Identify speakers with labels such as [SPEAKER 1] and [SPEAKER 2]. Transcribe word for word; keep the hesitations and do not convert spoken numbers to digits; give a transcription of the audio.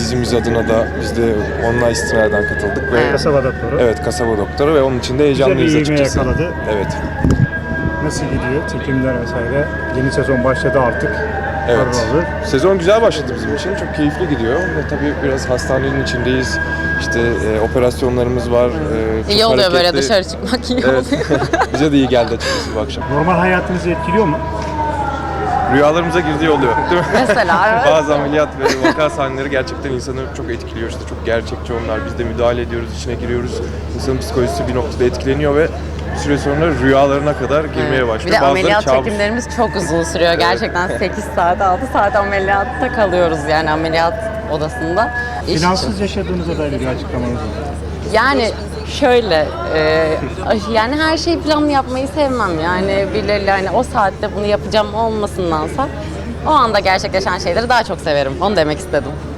[SPEAKER 1] dizimiz adına da biz de onunla istinaden katıldık. Ve
[SPEAKER 2] Kasaba doktoru.
[SPEAKER 1] Evet, kasaba doktoru ve onun için de heyecanlıyız
[SPEAKER 2] Güzel bir ivme
[SPEAKER 1] açıkçası.
[SPEAKER 2] yakaladı.
[SPEAKER 1] Evet.
[SPEAKER 2] Nasıl gidiyor? Çekimler vesaire. Yeni sezon başladı artık.
[SPEAKER 1] Evet.
[SPEAKER 2] Harbi.
[SPEAKER 1] Sezon güzel başladı bizim için. Çok keyifli gidiyor. Ve tabii biraz hastanenin içindeyiz. İşte e, operasyonlarımız var. E, çok
[SPEAKER 3] İyi oluyor böyle
[SPEAKER 1] hareketli.
[SPEAKER 3] dışarı çıkmak, iyi
[SPEAKER 1] Evet.
[SPEAKER 3] oluyor.
[SPEAKER 1] Bize de iyi geldi açıkçası bu akşam.
[SPEAKER 2] Normal hayatınızı etkiliyor mu?
[SPEAKER 1] Rüyalarımıza girdiği oluyor, değil mi?
[SPEAKER 3] Mesela evet.
[SPEAKER 1] Bazı ameliyat ve vaka sahneleri gerçekten insanı çok etkiliyor. İşte çok gerçekçi onlar. Biz de müdahale ediyoruz, içine giriyoruz. İnsanın psikolojisi bir noktada etkileniyor ve bir süre sonra rüyalarına kadar girmeye başlıyor.
[SPEAKER 3] Bir de
[SPEAKER 1] Bazıları
[SPEAKER 3] ameliyat
[SPEAKER 1] kabus.
[SPEAKER 3] çekimlerimiz çok uzun sürüyor. Gerçekten sekiz saat, altı saat ameliyatta kalıyoruz yani ameliyat odasında. İş için.
[SPEAKER 2] Finansız yaşadığınıza dair bir açıklamanız var.
[SPEAKER 3] Yani şöyle, e, yani her şeyi planlı yapmayı sevmem. Yani birileriyle hani o saatte bunu yapacağım olmasındansa o anda gerçekleşen şeyleri daha çok severim. Onu demek istedim.